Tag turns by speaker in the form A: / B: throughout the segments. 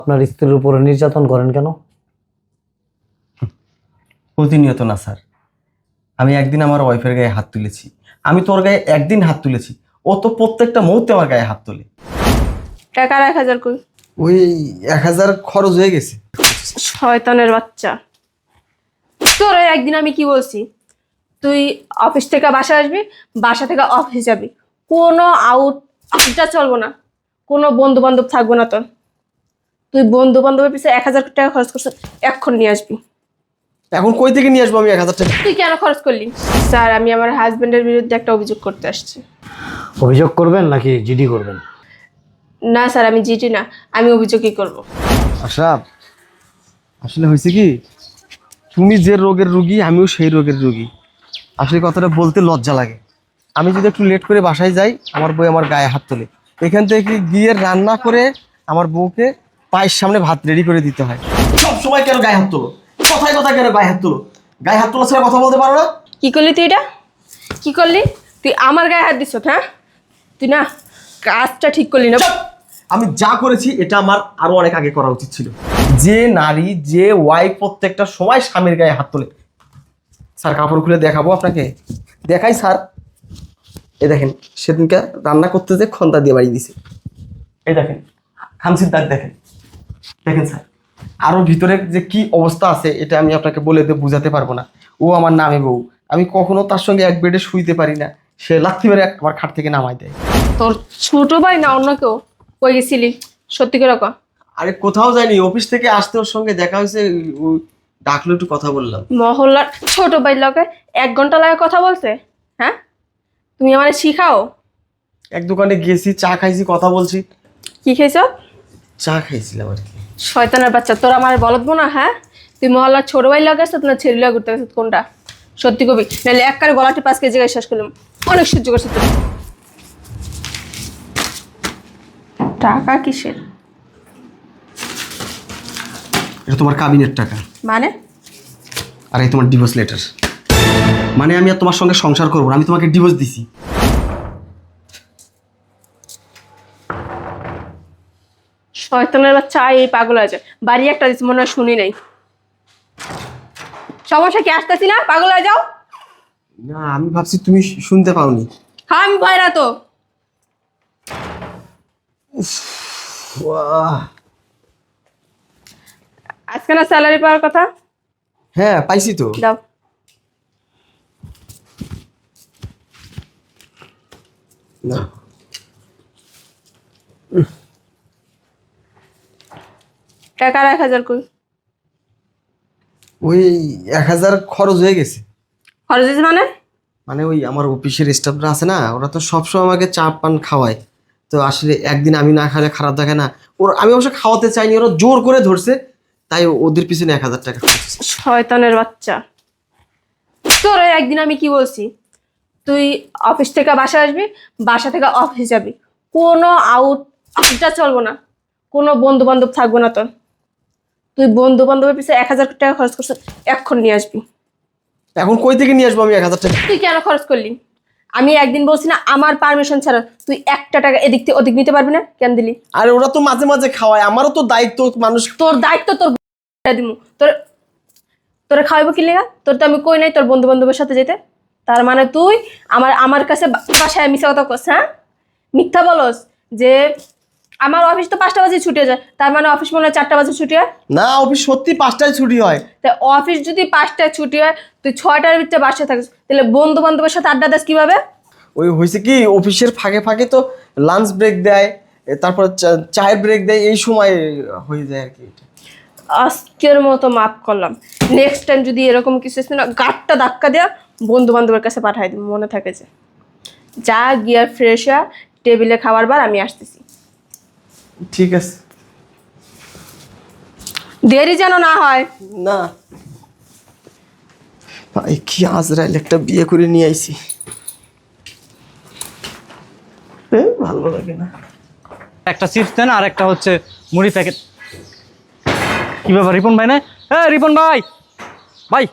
A: আপনার স্ত্রীর উপরে নির্যাতন করেন কেন?
B: প্রতিনিয়ত না স্যার, আমি একদিন আমার ওয়াইফের গায়ে হাত তুলেছি, আমি তোর গায়ে একদিন হাত তুলেছি, ও তো প্রত্যেকটা মুহূর্তে আমার গায়ে হাত তোলে।
C: টাকা 1000 কই?
B: ওই 1000 খরচ হয়ে গেছে।
C: শয়তানের বাচ্চা, তোরে একদিন আমি কি বলছি? তুই অফিস থেকে বাসা আসবি, বাসা থেকে অফিস যাবি, কোনো আউটটা চলবো না, কোনো বন্ধু বান্ধব থাকবো না তোর। তুই বন্ধু বান্ধবের পিছনে 1000 টাকা খরচ করছিস, এখন নিয়ে আসবি।
B: এখন কই থেকে নিয়ে আসবো আমি 1000 টাকা?
C: তুই কেন খরচ করলি? স্যার, আমি আমার হাজবেন্ডের বিরুদ্ধে একটা অভিযোগ করতে আসছি।
A: অভিযোগ করবেন নাকি জিডি করবেন?
C: না স্যার, আমি জিটি না, আমি অভিযোগই করব।
B: আশরাফ, আসলে হয়েছে কি, তুমি যে রোগের রুগী আমিও সেই রোগের রুগী। আসলে কথাটা বলতে লজ্জা লাগে। আমি যদি একটু লেট করে বাসায় যাই, আমার বউ আমার গায়ে হাত তোলে। এখান থেকে গিয়ে রান্না করে আমার বউকে পায়ের সামনে ভাত রেডি করে দিতে হয়। সব সময় কেন গায়ে হাত তোলো? কথায় কথায় কেন গায়ে হাত তোলো? গায়ে হাত তোলা ছাড়া কথা বলতে পারো না?
C: কি করলি তুই? এটা কি করলি তুই? আমার গায়ে হাত দিস? হ্যাঁ, তুই না কাজটা ঠিক করলি না।
B: আমি যা করেছি এটা আমার আরো অনেক আগে করা উচিত ছিল। যে নারী, যে ওয়াইফ প্রত্যেকটা সময় স্বামীর গায়ে হাত তোলে। স্যার, কাপড় খুলে দেখাবো আপনাকে? দেখাই স্যার। এই দেখেন, সেদিনকে রান্না করতে যে খন্তা দিয়ে বাড়ি দিছে। এই দেখেন খামচির দাগ, দেখেন দেখেন স্যার। আরো ভিতরে যে কি অবস্থা আছে এটা আমি আপনাকে বলে বোঝাতে পারবো না। ও আমার নামে বউ, আমি কখনো তার সঙ্গে এক বেডে শুইতে পারি না। সে লাথি মেরে আমার খাট থেকে নামাই দেয়।
C: তোর ছোট ভাই না অন্য কেউ? কই গেছিলি সত্যি করে কর?
B: আরে কোথাও যায়নি, অফিস থেকে আসতে ওর সঙ্গে দেখা হয়েছে, ও ডাকলো, একটু কথা বললাম।
C: মহল্লার ছোট ভাই লগে 1 ঘন্টা লাগে কথা বলতে? হ্যাঁ, তুমি আমারে শিখাও?
B: এক দোকানে গেছি, চা খাইছি, কথা বলছি।
C: কি খাইছ?
B: চা খাইছিলাম আর কি।
C: শয়তানের বাচ্চা, তোর আমার বলবো না? হ্যাঁ, তুই মহল্লার ছোট ভাই লগে আসছ না ছেলে লগে ঘুরতে গেছিস? কোনটা সত্যি কবি? নাহলে এক কারে গলাটি 5 কেজি শেষ করলাম। অনেক সহ্য করছিস তুই। টাকা কিসের?
B: এটা তোমার কাবিনের টাকা।
C: মানে?
B: আর এই তোমার ডিভোর্স লেটার। মানে আমি আর তোমার সঙ্গে সংসার করবো না, আমি তোমাকে ডিভোর্স দিছি।
C: শয়তানের বাচ্চা, এই পাগল আছে। বাড়ি একটা দিচ্ছে, মনে হয় শুনি নাই। সমস্যা কি? আসতেছি না, পাগল হয়ে যাও?
B: না, আমি ভাবছি তুমি শুনতে পাওনি।
C: হ্যাঁ, আমি ভয় না তো। আজকে না স্যালারি পাওয়ার কথা?
B: হ্যাঁ, পাইছি তো।
C: দাও।
B: না,
C: টাকা 1000 কই?
B: ওই 1000 খরচ হয়ে গেছে।
C: খরচ হয়েছে মানে?
B: মানে ওই আমার অফিসের স্টাফরা আছে না, ওরা তো সবসময় আমাকে চা পান খাওয়ায়। তো আসলে একদিন আমি না খাওয়ালে খারাপ দেখে না। আমি অবশ্য খাওয়াতে চাইনি, ওরা জোর করে ধরছে, তাই ওদের পিছনে 1000 টাকা খরচ।
C: শয়তানের বাচ্চা, তোরে একদিন আমি কি বলছি? তুই অফিস থেকে বাসা আসবি, বাসা থেকে অফিস যাবি, কোনো আউটটা চলবো না, কোনো বন্ধু বান্ধব থাকবো না তোর। তুই বন্ধু বান্ধবের পিছনে 1000 টাকা খরচ করছিস, এখন নিয়ে আসবি।
B: এখন কই থেকে নিয়ে আসবো আমি 1000 টাকা?
C: তুই কেন খরচ করলি? আমি একদিন বলছি না, আমার পারমিশন ছাড়া তুই একটা টাকা এদিক থেকে ওদিক নিতে পারবি না? কেন দিলি?
B: আর ওরা তো মাঝে মাঝে খাওয়ায়, আমারও তো দায়িত্ব মানুষ।
C: তোর দায়িত্ব তোর দিমু। তোরে খাওয়াবো কি লেগা? তোর তো আমি কই নাই তোর বন্ধু বান্ধবের সাথে যেতে। তার মানে তুই আমার কাছে বাসায় মিথ্যা কথা কস? হ্যাঁ, মিথ্যা বলস যে আমার অফিস তো 5টা বাজে ছুটি হয়ে যায়, তার মানে অফিস মনে হয় 4টা বাজে ছুটি হয়?
B: না, অফিস সত্যি 5টায় ছুটি হয়।
C: তা অফিস যদি 5টায় ছুটি হয়, তুই 6টার ভিতরে বাসায় থাকিস, তাহলে বন্ধু বান্ধবের সাথে আড্ডা দাস কিভাবে?
B: ওই হয়েছে কি, অফিসের ফাঁকে ফাঁকে তো লাঞ্চ ব্রেক দেয়, তারপর চায়ের ব্রেক দেয়, এই সময় হয়ে যায় আর কি।
C: আজকের মতো মাফ করলাম। নেক্সট টাইম যদি এরকম কিছু না, গাঁটটা ধাক্কা দেওয়া বন্ধু বান্ধবের কাছে পাঠাই দিই, মনে থাকে যে। যা গিয়ার ফ্রেশ হওয়া, টেবিলে খাবার বার, আমি আসতেছি।
B: ঠিক আছে।
C: দেরি যেন না হয়।
B: না ভাই, কি আজরাইল একটা বিয়ে করে নিয়ে আইছি, ভালো লাগে না।
D: একটা চিপস দেন আর একটা হচ্ছে মুড়ি প্যাকেট। কি ব্যাপার রিপন ভাই? না, হ্যাঁ রিপন ভাই, ভাই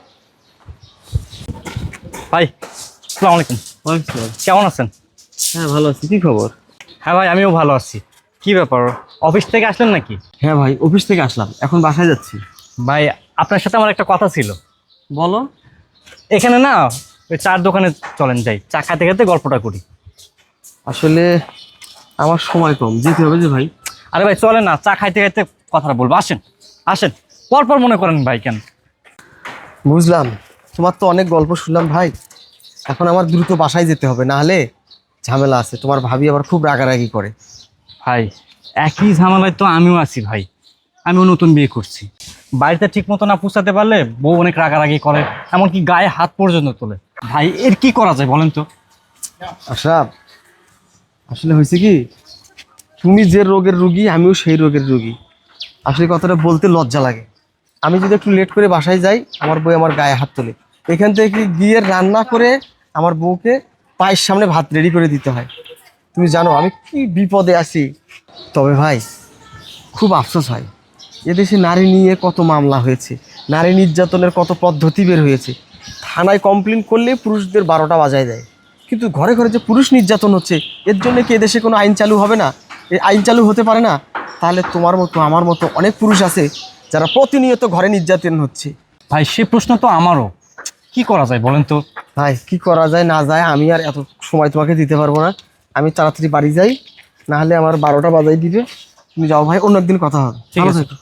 D: ভাই আসসালামু আলাইকুম। কেমন আছেন?
B: হ্যাঁ, ভালো আছি। কি খবর?
D: হ্যাঁ ভাই, আমিও ভালো আছি। কি ব্যাপার, অফিস থেকে আসলেন নাকি?
B: হ্যাঁ ভাই, অফিস থেকে আসলাম, এখন বাসায় যাচ্ছি।
D: ভাই আপনার সাথে আমার একটা কথা ছিল।
B: বলো।
D: এখানে না ওই চার দোকানে চলেন যাই, চা খাতে খেতে গল্পটা করি।
B: আসলে আমার সময় কম, যেতে হবে যে ভাই।
D: আরে ভাই চলেন না, চা খাইতে খাইতে কথাটা বলবো, আসেন আসেন। পরপর মনে করেন ভাই কেন?
B: বুঝলাম, তোমার তো অনেক গল্প শুনলাম ভাই, এখন আমার দ্রুত বাসায় যেতে হবে, না হলে ঝামেলা আছে। তোমার ভাবি আবার খুব রাগারাগি করে।
D: ভাই একই ঝামেলায় তো আমিও আছি ভাই, আমিও নতুন বিয়ে করছি। বাড়িতে ঠিক মতো না পৌঁছাতে পারলে বউ অনেক রাগারাগি করে, এমনকি গায়ে হাত পর্যন্ত তোলে। ভাই এর কি করা যায় বলেন তো?
B: আশরাফ, আসলে হয়েছে কি, তুমি যে রোগের রুগী আমিও সেই রোগের রুগী। আসলে কথাটা বলতে লজ্জা লাগে। আমি যদি একটু লেট করে বাসায় যাই, আমার বউ আমার গায়ে হাত তোলে। এখান থেকে গিয়ে রান্না করে আমার বউকে পায়ের সামনে ভাত রেডি করে দিতে হয়। তুমি জানো আমি কি বিপদে আছি। তবে ভাই খুব আফসোস হয়, এদেশে নারী নিয়ে কত মামলা হয়েছে, নারী নির্যাতনের কত পদ্ধতি বের হয়েছে। থানায় কমপ্লেন করলে পুরুষদের 12টা বাজায় দেয়, কিন্তু ঘরে ঘরে যে পুরুষ নির্যাতন হচ্ছে, এর জন্য কি এদেশে কোনো আইন চালু হবে না? এই আইন চালু হতে পারে না? তাহলে তোমার মতো আমার মতো অনেক পুরুষ আছে যারা প্রতিনিয়ত ঘরে নির্যাতন হচ্ছে।
D: ভাই সে প্রশ্ন তো আমারও, কি করা যায় বলেন তো?
B: ভাই কি করা যায় না যায় আমি আর এত সময় তোমাকে দিতে পারবো না। আমি তাড়াতাড়ি বাড়ি যাই, না হলে আমার 12টা বাজাই দিবে। তুমি যাও ভাই, অন্য একদিন কথা হবে।
D: ঠিক
B: ভালো
D: আছে।
B: থেকো।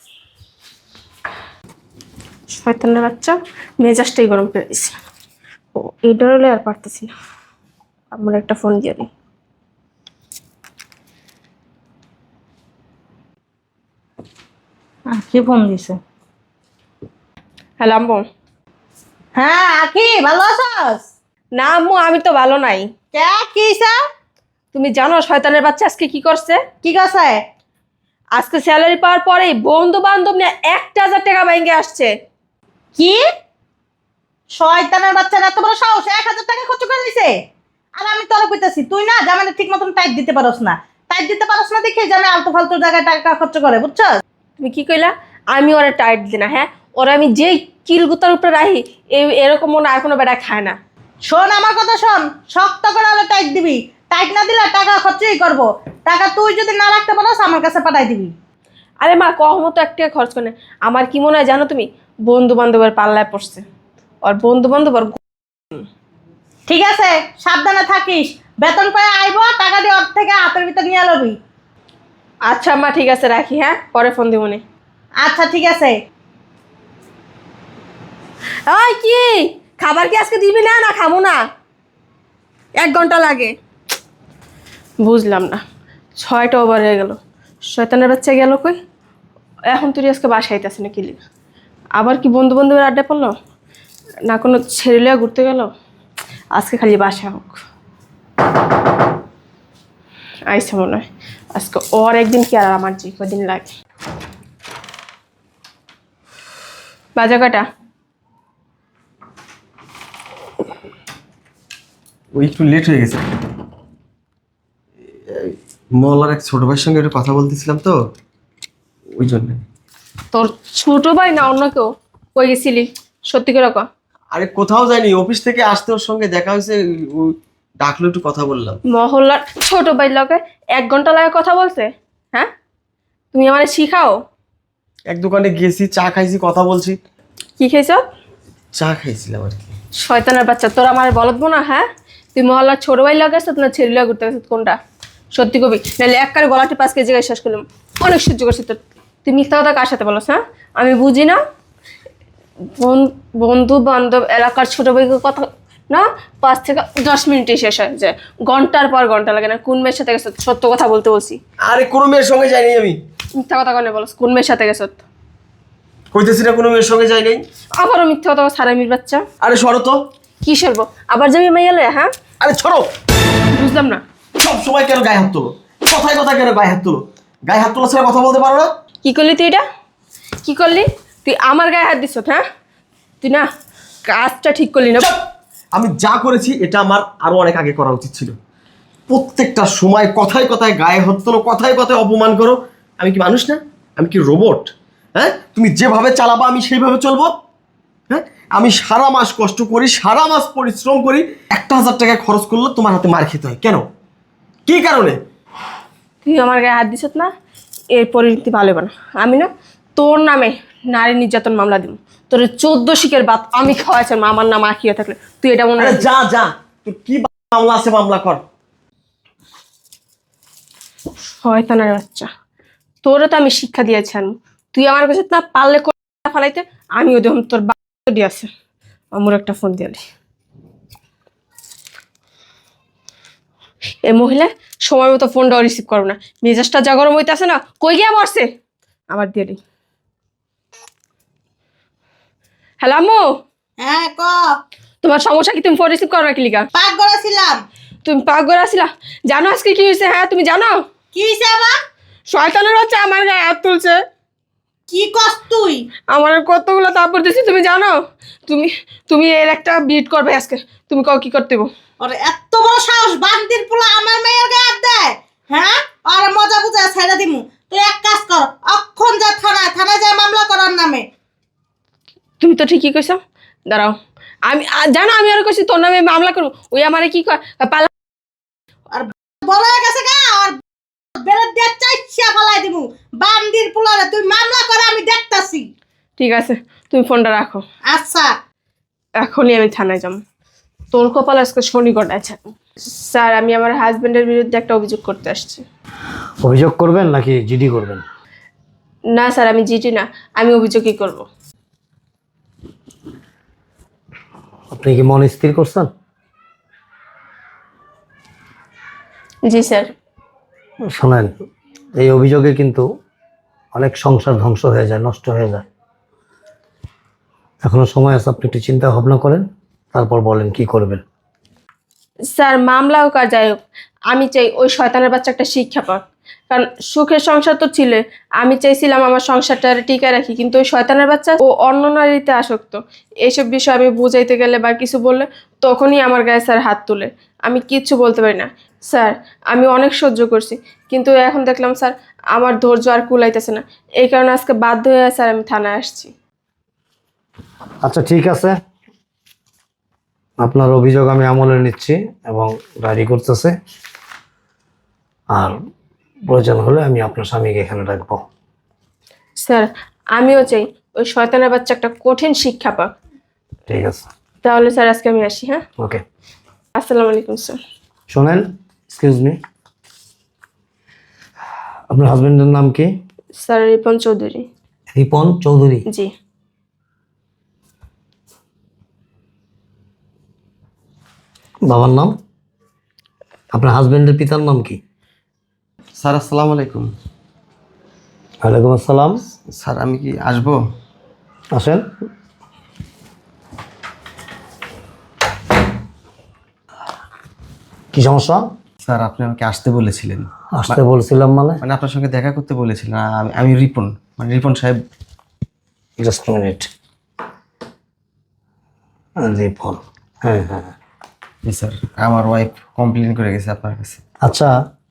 C: শয়তানের বাচ্চা, মেজাজটাই গরম করে দিছে। ও এটা হলে আর পারতেছি না, আমার একটা ফোন দিয়ে দিই।
E: কি ফোন দিছে?
C: হ্যালো আম্মু।
E: হ্যাঁ আখি, ভালো আছস?
C: না আম্মু, আমি তো ভালো নাই।
E: কে কি হইছে?
C: তুমি জানো শয়তানের বাচ্চা আজকে কি করছে?
E: কি করছে?
C: আজকে স্যালারি পাওয়ার পরেই বন্ধু বান্ধব নিয়ে 1000 টাকা ব্যাংকে আসছে।
E: কি শয়তানের বাচ্চার এত বড় সাহস, 1000 টাকা খরচ করে দিছে? আর আমি তোরা কইতাছি তুই না জামানে ঠিক মতন টাইট দিতে পারস না। টাইট দিতে পারস না দেখে জামে আলতু ফালতু জায়গায় টাকা খরচ করে, বুঝছস?
C: তুমি কি কইলা? আমি ওরা টাইট দিই না? হ্যাঁ, ওরা আমি যেই কিলগুতার উপরে রাখি এরকম মনে আর কোনো বেটা খায় না।
E: শোন আমার কথা শোন, শক্ত করে হলে টাইট দিবি। টাইট না দিলে টাকা খরচই করবো। টাকা তুই যদি না রাখতে পারস আমার কাছে পাঠাই দিবি।
C: আরে মা, কম তো 1 টাকা খরচ করে না। আমার কি মনে হয় জানো তুমি, বন্ধু বান্ধবের পাল্লায় পড়ছে। আর বন্ধু বান্ধব আর
E: ঠিক আছে, সাবধানে থাকিস। বেতন পায় আইবো, টাকা দিয়ে ওর থেকে হাতের ভিতর নিয়ে লবি।
C: আচ্ছা মা, ঠিক আছে রাখি, হ্যাঁ পরে ফোন দিব নে।
E: আচ্ছা ঠিক আছে।
C: ওই কি খাবার কি আজকে দিবি না? না খাবো না, 1 ঘন্টা লাগে। বুঝলাম না, 6টা ওভার হয়ে গেল, শয়তানের বাচ্চা গেল কই? এখন তুই আজকে বাসায় আইতাছি না কি লিগা? আবার কি বন্ধু বান্ধবের আড্ডা পড়লো, না কোনো ছেড়ে ঘুরতে গেল? আজকে খালি বাসা হোক। আইসা মনে হয় আজকে ওর একদিন কি আর আমার যে কদিন লাগে। বাজা কাটা।
B: ওই একটু লেট হয়ে গেছে, মহল্লার এক ছোট ভাইয়ের সঙ্গে একটু কথা বলতেছিলাম তো, ওই জন্য।
C: তোর ছোট ভাই না অন্য কেউ? কই গেছিলি সত্যি করে কর।
B: আরে কোথাও যাইনি, অফিস থেকে আসতে ওর সঙ্গে দেখা হয়েছে, ও ডাকলো, একটু কথা বললাম।
C: মহল্লার ছোট ভাই লগে 1 ঘন্টা লাগে কথা বলছে? হ্যাঁ, তুমি আমার শিখাও?
B: এক দোকানে গেছি, চা খাইছি, কথা বলছি।
C: কি খেয়েছ?
B: চা খাইছিলাম আর কি।
C: শয়তানের বাচ্চা, তোর আমার বলবো না? হ্যাঁ, তুই মহল্লার ছোট ভাই লাগে আসত না ছেলে লাগে ঘুরতে গেছিস? কোনটা সত্যি কবি? নাহলে একবারে গলাটি 5 কেজি গায়ে শেষ করলাম। অনেক সহ্য করছি তোর। তুই মিথ্যা কথা কার সাথে বলছ? হ্যাঁ, আমি বুঝি না। বন্ধু বান্ধব এলাকার ছোট ভাইকে কথা না 5 থেকে 10 মিনিটে শেষ হয়ে যায়, ঘন্টার পর ঘন্টা লাগে না। কোন মেয়ের সাথে গেছ? সত্য কথা বলতে বলছি।
B: আরে কোনো মেয়ের সঙ্গে যাইনি আমি।
C: মিথ্যা কথা কেন বলছ? কোন মেয়ের সাথে গেছ?
B: কইতেছি না কোনো মেয়ের সঙ্গে যাই নাই।
C: আবারও মিথ্যা কথা, সারামির বাচ্চা।
B: আরে সরো তো।
C: কি সরবো? আবার যাবি মাইয়ালে? হ্যাঁ,
B: আরে ছড়ো।
C: বুঝলাম না।
B: সব সময় কেন গায়ে হাত তোলো? কথায় কথায় কেন গায়ে হাত তোলো? গায়ে হাত তোলা ছাড়া কথা বলতে পারো না?
C: কি করলি তুই? এটা কি করলি তুই? আমার গায়ে হাত দিস? হ্যাঁ, তুই না কাজটা ঠিক করলি না।
B: চুপ! আমি যা করেছি এটা আমার আরো অনেক আগে করা উচিত ছিল। প্রত্যেকটা সময় কথায় কথায় গায়ে হাত তোলো, কথায় কথায় অপমান করো। আমি কি মানুষ না? আমি কি রোবট? হ্যাঁ, তুমি যেভাবে চালাবা আমি সেইভাবে চলবো? হ্যাঁ, আমি সারা মাস কষ্ট করি, সারা মাস পরিশ্রম করি, 1000 টাকা খরচ করলে তোমার হাতে মার খেতে হয় কেন? কি কারণে?
C: তুই আমার গায়ে হাত দিস না, এর পরিণতি ভালো হবে না। আমি না তোর নামে নারী নির্যাতন মামলা দিব। তোর 14 শিকের বাত আমি খাওয়াইছি, আমার নাম আখিয়া থাকলে তুই এটা মনে
B: আরে
C: রাখবি।
B: যা যা, তুই কি মামলা আছে মামলা কর।
C: শয়তানের বাচ্চা, তোরও তো আমি শিক্ষা দিয়েছি। তুই আমার কাছে না পারলে ফালাইতে, আমিও দেখুন তোর বাড়ি আছে। আমার একটা ফোন দিয়ালি। এই মহিলা সময় মতো ফোনটাও রিসিভ করো না, মেজাজটা যা গরম হইতে আছে না, কই গিয়া বসছে আবার দিয়ালি। হ্যালো আম্মু,
E: হ্যাঁ ক।
C: তোমার সমস্যা কি? তুমি ফোন রিসিভ করো না কি লিগা?
E: পাক করেছিলাম।
C: তুমি পাক করে আসিলা? জানো আজকে কি হয়েছে? হ্যাঁ তুমি জানো?
E: কি হইছে আবার?
C: শয়তানের বাচ্চা আমার গায়ে হাত তুলছে।
E: কি কস তুই?
C: আমার কতগুলো তারপর দিছি, তুমি জানো? তুমি তুমি এর একটা বিট করবে আজকে। তুমি কও কি করতে হইব?
E: ওরে এত বড় সাহস, বান্দির পোলা আমার মেয়ের গায়ে হাত দেয়? হ্যাঁ, আর মজা বুঝা ছেড়ে দিমু। তুই এক কাজ কর, অক্ষণ যা থানায় যা মামলা করার নামে।
C: তুমি তো ঠিকই কইছো। দাঁড়াও, আমি জানো আমি আর কইছি তোর নামে মামলা করব। ওই আমারে কি কয় পালা
E: আর বড় হয়ে গেছে গা, আর বেরের দিয়ে চাইছিয়া ফেলাই দিমু। বান্দির পোলারে তুই মামলা করে আমি দেখতাছি।
C: ঠিক আছে, তুমি ফোনটা রাখো।
E: আচ্ছা।
C: এখনই আমি থানায় যাব। তোর কপাল আজকে শনি গড়াচ্ছে। স্যার, আমি আমার হাজবেন্ডের বিরুদ্ধে একটা অভিযোগ করতে আসছি।
A: অভিযোগ করবেন নাকি জিডি করবেন?
C: না স্যার, আমি জিটি না, আমি অভিযোগই করব।
A: আপনি কি মন স্থির করছেন?
C: জি স্যার।
A: শোনেন, এই অভিযোগে কিন্তু অনেক সংসার ধ্বংস হয়ে যায়, নষ্ট হয়ে যায়। এখনো সময় আছে, আপনি একটু চিন্তা ভাবনা করেন, তারপর বলেন কি করবেন।
C: স্যার, মামলা হোক আর যাই হোক, আমি চাই ওই শয়তানের বাচ্চা একটা শিক্ষা পাক। কারণ সুখের সংসার তো ছিল, আমি চাইছিলাম আমার সংসারটা টিকে রাখি, কিন্তু ওই শয়তানের বাচ্চা ও অন্য নারীতে আসক্ত। এইসব বিষয় আমি বুঝাইতে গেলে বা কিছু বললে তখনই আমার গায়ে স্যার হাত তুলে। আমি কিচ্ছু বলতে পারি না। স্যার, আমি অনেক সহ্য করছি, কিন্তু এখন দেখলাম স্যার আমার ধৈর্য আর কুলাইতেছে না। এই কারণে আজকে বাধ্য হয়ে স্যার আমি থানায় আসছি।
A: আচ্ছা ঠিক আছে, আপনার অভিযোগ আমি আমলে নিচ্ছি এবং ডায়েরি করতেছে। আর প্রয়োজন হলে আমি আপনার স্বামীকে এখানে রাখবো।
C: স্যার, আমিও চাই ওই শয়তানের বাচ্চা একটা কঠিন শিক্ষা পাক।
A: ঠিক আছে,
C: তাহলে স্যার আজকে আমি আসি। হ্যাঁ,
A: ওকে।
C: আসসালামু আলাইকুম স্যার।
A: শোনেন, এক্সকিউজ মি, আপনার হাজবেন্ডের নাম কি?
C: স্যার, রিপন চৌধুরী।
A: রিপন চৌধুরী।
C: জি।
A: বাবার নাম? আপনার হাজবেন্ডের পিতার নাম কি?
B: স্যার আসসালামু আলাইকুম।
A: ওয়ালাইকুম আসসালাম।
B: স্যার আমি কি আসবো?
A: আসেন। কি সমস্যা?
B: স্যার আপনি আমাকে আসতে বলেছিলেন।
A: আসতে বলছিলাম মানে?
B: মানে আপনার সঙ্গে দেখা করতে বলেছিলেন। আমি রিপন, মানে রিপন সাহেব।
A: Just minute. রিপন, হ্যাঁ হ্যাঁ।
B: জি স্যার, আমার ওয়াইফ কমপ্লেন করে গেছে আপনার কাছে।
A: আচ্ছা,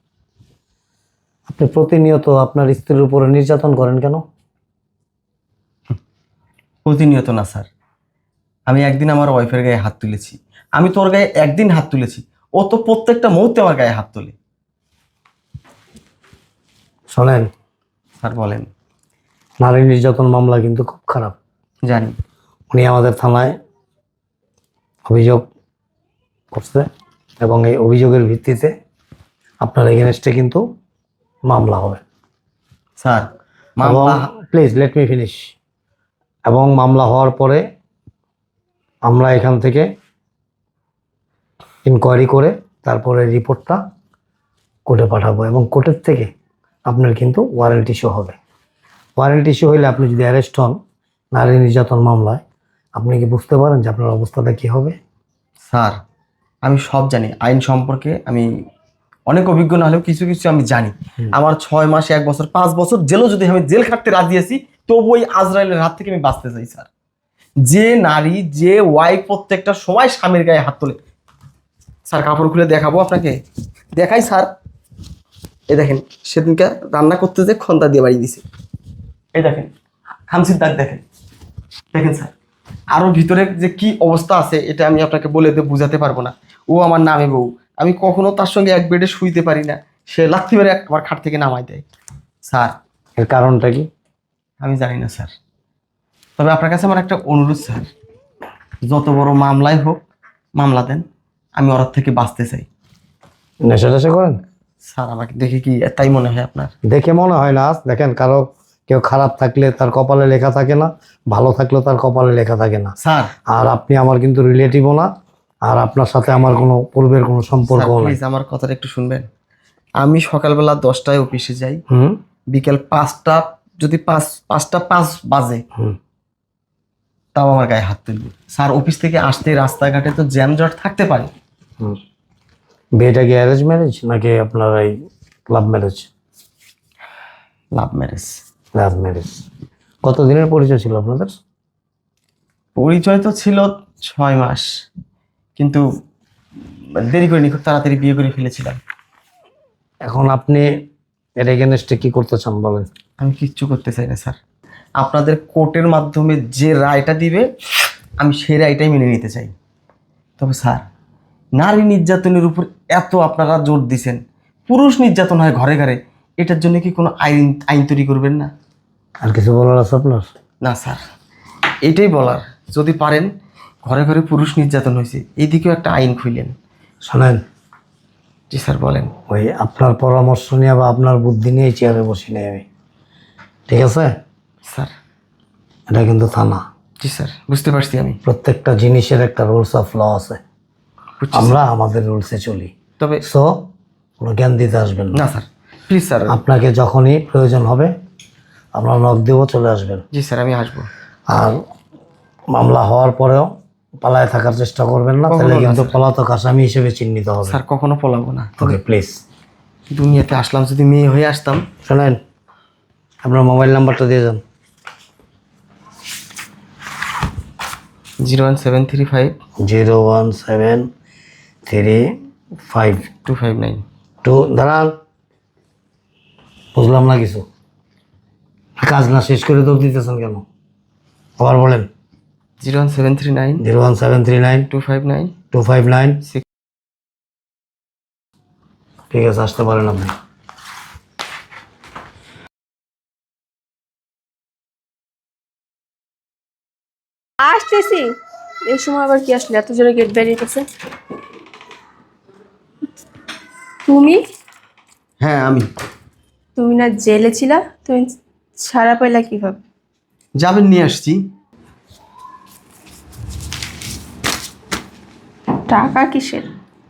A: আপনি প্রতিনিয়ত আপনার স্ত্রীর উপরে নির্যাতন করেন কেন?
B: প্রতিনিয়ত না স্যার, আমি একদিন আমার ওয়াইফের গায়ে হাত তুলেছি। আমি তোর গায়ে একদিন হাত তুলেছি, ও তো প্রত্যেকটা মুহূর্তে আমার গায়ে হাত তোলে।
A: শোনেন
B: স্যার বলেন।
A: নারী নির্যাতন মামলা কিন্তু খুব খারাপ।
B: জানি।
A: উনি আমাদের থানায় অভিযোগ করছে এবং এই অভিযোগের ভিত্তিতে আপনার এগেনস্টে কিন্তু মামলা হবে।
B: স্যার মামলা,
A: প্লিজ লেট মি ফিনিশ। এবং মামলা হওয়ার পরে আমরা এখান থেকে ইনকোয়ারি করে তারপরে রিপোর্টটা কোর্টে পাঠাবো এবং কোর্টের থেকে আপনার কিন্তু ওয়ারেন্ট ইস্যু হবে। ওয়ারেন্ট ইস্যু হইলে আপনি যদি অ্যারেস্ট হন নারী নির্যাতন মামলায়, আপনি কি বুঝতে পারেন যে আপনার অবস্থাটা কী হবে?
B: স্যার আমি সব জানি, আইন সম্পর্কে আমি অনেক অভিজ্ঞ না হলেও কিছু কিছু আমি জানি। আমার 6 মাস, 1 বছর, 5 বছর জেলও যদি আমি জেল খাটতে রাজি আছি, তবু ওই আজরাইলের হাত থেকে আমি বাঁচতে চাই স্যার। যে নারী, যে ওয়াইফ প্রত্যেকটা সময় স্বামীর গায়ে হাত তোলে। স্যার কাপড় খুলে দেখাবো আপনাকে? দেখাই স্যার। এই দেখেন, সেদিনকে রান্না করতে যে খন্তা দিয়ে বাড়ি দিছে। এই দেখেন খামচির দাগ, দেখেন দেখেন স্যার। আরো ভিতরে যে কি অবস্থা আছে এটা আমি আপনাকে বলে বোঝাতে পারবো না। ও আমার নামে বউ, আমি কখনো তার সঙ্গে এক বেডে শুইতে পারি না। সে লাথি মেরে আমার খাট থেকে নামাই দেয়। স্যার
A: এর কারণটা কি?
B: আমি জানি না স্যার, তবে আপনার কাছে আমার একটা অনুরোধ স্যার, যত বড় মামলাই হোক মামলা দেন, আমি ওর থেকে বাঁচতে চাই।
A: নেশা টেশা করেন?
B: স্যার আমাকে দেখে কি তাই মনে হয় আপনার?
A: দেখে মনে হয় না। দেখেন, কারো কেউ খারাপ থাকলে তার কপালে লেখা থাকে না, ভালো থাকলেও তার কপালে লেখা থাকে না।
B: স্যার
A: আর আপনি আমার কিন্তু রিলেটিভও না, আর আপনার সাথে আমার কোনো পূর্বের কোনো সম্পর্কও নাই।
B: প্লিজ আমার কথাটা একটু শুনবেন। আমি সকালবেলা 10টায় অফিসে যাই,
A: হুম
B: বিকেল 5টা, যদি 5:05 বাজে
A: হুম
B: তাও আমার গায়ে হাত তুলবে। স্যার অফিস থেকে আসতে রাস্তাঘাটে তো জ্যামজট থাকতে পারে।
A: হুম বিয়েটা কি অ্যারেঞ্জ ম্যারেজ নাকি আপনার এই love marriage?
B: Love marriage.
A: Love marriage. কত দিনের পরিচয় ছিল আপনাদের?
B: পরিচয় তো ছিল 6 মাস, কিন্তু দেরি করিনি, খুব তাড়াতাড়ি বিয়ে করে ফেলেছিলাম।
A: এখন আপনি এর এগেনস্টে কি করতে চান বলেন?
B: আমি কিচ্ছু করতে চাই না স্যার, আপনাদের কোর্টের মাধ্যমে যে রায়টা দিবে আমি সেই রায়টাই মেনে নিতে চাই। তবে স্যার, নারী নির্যাতনের উপর এত আপনারা জোর দিছেন, পুরুষ নির্যাতন হয় ঘরে ঘরে, এটার জন্য কি কোনো আইন তৈরি করবেন না?
A: আর কিছু বলার আছে আপনার?
B: না স্যার, এইটাই বলার, যদি পারেন ঘরে ঘরে পুরুষ নির্যাতন হয়েছে এইদিকেও একটা আইন খুইলেন।
A: শোনেন,
B: জি স্যার বলেন।
A: ওই আপনার পরামর্শ নিয়ে বা আপনার বুদ্ধি নিয়ে চেয়ারে বসি নেই আমি, ঠিক আছে?
B: স্যার।
A: এটা কিন্তু থানা।
B: জি স্যার, বুঝতে পারছি আমি।
A: প্রত্যেকটা জিনিসের একটা রুলস অফ ল আছে,
B: বুঝছি
A: আমরা আমাদের রুলসে চলি।
B: তবে
A: সো কোনো জ্ঞান দিতে আসবেন না।
B: না স্যার, প্লিজ স্যার।
A: আপনাকে যখনই প্রয়োজন হবে আমরা নক দেবো, চলে আসবেন।
B: জি স্যার, আমি আসবো।
A: আর মামলা হওয়ার পরেও পালায় থাকার চেষ্টা করবেন না,
B: কখনো
A: তাহলে
B: না,
A: কিন্তু
B: স্যার।
A: পলাতক আসামি হিসেবে চিহ্নিত হবে।
B: স্যার কখনো পলাবো না। তবে
A: ওকে প্লিজ।
B: দুনিয়াতে আসলাম, যদি মেয়ে হয়ে আসতাম।
A: শোনেন, আপনার মোবাইল নাম্বারটা দিয়ে যান।
B: 01735
A: 01735
B: 259।
A: 2 দাঁড়ান, বুঝলাম না কিছু। কাজ না শেষ করে দৌড় দিতেছেন কেন? আবার বলেন।
B: 01739
A: 01739
B: 259
A: 259।
B: 6।
A: ঠিক আছে, আসতে পারেন আপনি।
C: আসতেছি। এই সময় আবার কি আসলে এত জোরে গেট বেরিয়েছে? তুমি
B: হ্যাঁ আমি।
C: তুমি না জেলে ছিলা, তুমি ছাড়া পাইলা কিভাবে?
B: যাবেন নিয়ে আসছি।
C: টাকা কিসের?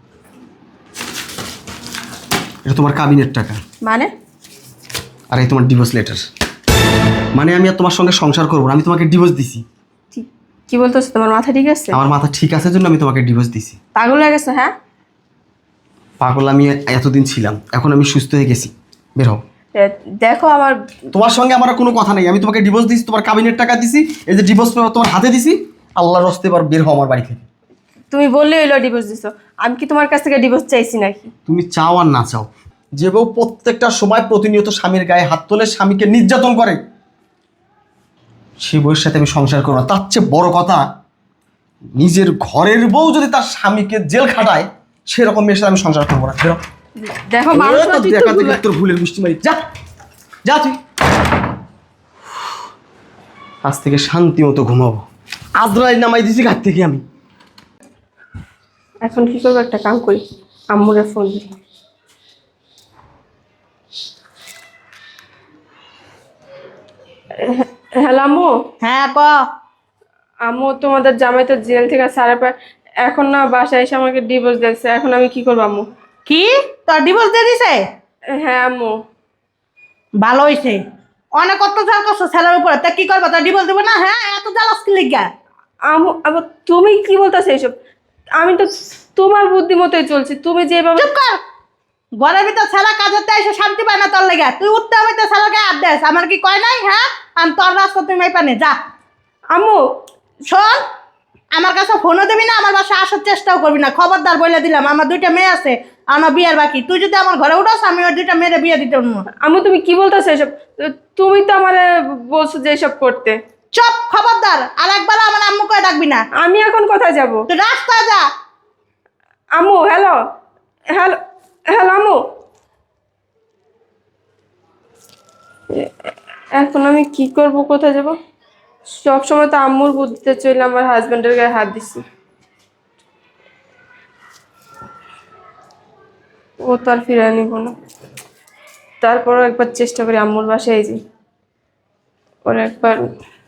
B: এটা তোমার কাবিনের টাকা,
C: মানে?
B: আর এই তোমার ডিভোর্স লেটার। মানে আমি আর তোমার সঙ্গে সংসার করবো না, আমি তোমাকে ডিভোর্স দিছি।
C: কি বলতেছো? তোমার মাথা ঠিক আছে?
B: আমার মাথা ঠিক আছে জন্য আমি তোমাকে ডিভোর্স দিছি।
C: পাগল হয়ে গেছো? হ্যাঁ,
B: পাগল আমি এতদিন ছিলাম, এখন আমি সুস্থ হয়ে গেছি। বের হও।
C: দেখো আমার
B: তোমার সঙ্গে আমার আর কোনো কথা নেই, আমি তোমাকে ডিভোর্স দিছি, তোমার কাবিনের টাকা দিছি, এই যে ডিভোর্স পেপার তোমার হাতে দিছি। আল্লাহর রাস্তে এবার বের হও আমার বাড়ি থেকে।
C: তুমি বললে হইলো ডিভোর্স দিছো, আমি কি তোমার কাছ থেকে ডিভোর্স চাইছি নাকি?
B: তুমি চাও আর না চাও, যে বউ প্রত্যেকটা সময় প্রতিনিয়ত স্বামীর গায়ে হাত তোলে, স্বামীকে নির্যাতন করে, সে বউয়ের সাথে আমি সংসার করবো না। তার চেয়ে বড় কথা, নিজের ঘরের বউ যদি তার স্বামীকে জেল খাটায়, সেরকম মেয়ের সাথে আমি সংসার করবো না। বেরো।
C: দেখো মানুষ না, তুই তো
B: দেখা থেকে
C: ভুল-
B: তোর ভুলের মিষ্টি মারি। যা যা তুই। আজ থেকে শান্তি মতো ঘুমাবো। আদ্রাই নামাই দিছি ঘাট থেকে আমি।
C: এখন কি করবো? একটা কাম করি, আম্মুরে ফোন দিই। হ্যালো আম্মু।
E: হ্যাঁ ক।
C: আম্মু, তোমাদের জামাই তো জেল থেকে ছাড়া পায়, এখন না বাসায় এসে আমাকে ডিভোর্স দিয়েছে। এখন আমি কি করবো আম্মু?
E: কি তোর ডিভোর্স দিয়ে দিছে?
C: হ্যাঁ আম্মু।
E: ভালো হয়েছে, অনেক অত্যাচার করছো ছেলের উপরে, তা কি করবো? তোর ডিভোর্স দেবো না? হ্যাঁ, এত জ্বালাস কি লিগা?
C: আম্মু আবার তুমি কি বলতেছো এইসব? আমি তো তোমার বুদ্ধি মতোই চলছি, তুমি যেভাবে।
E: চুপ কর। ঘরের ভিতর ছেলে কাজের তে এসে শান্তি পায় না তোর লেগে, তুই উঠতে হবে তো ছেলেকে হাত দেস, আমার কি কয় নাই? হ্যাঁ, আমি তোর রাস্তা তুই মাই পানে যা।
C: আম্মু
E: শোন, আমার কাছে ফোনও দিবি না, আমার বাসায় আসার চেষ্টাও করবি না, খবরদার বলে দিলাম। আমার 2টা মেয়ে আছে, আমার বিয়ের বাকি। তুই যদি আমার ঘরে উঠাস, আমি ওই 2টা মেয়ের বিয়ে দিতে পারবো না।
C: আম্মু তুমি কি বলতেছো এসব? তুমি তো আমারে বলছো যে এসব করতে।
E: চুপ, খবরদার আর একবার আমার আম্মু কয়ে ডাকবি না।
C: আমি এখন কোথায় যাব?
E: তুই রাস্তায় যা।
C: আম্মু হ্যালো, হ্যালো, হ্যালো আম্মু। এখন আমি কি করব, কোথায় যাব? সব সময় তো আম্মুর বুদ্ধিতে চলে আমার হাজবেন্ডের গায়ে হাত দিছি। ও তো আর ফিরে নিব না। তারপরও একবার চেষ্টা করি আম্মুর বাসায় যাই, ওর একবার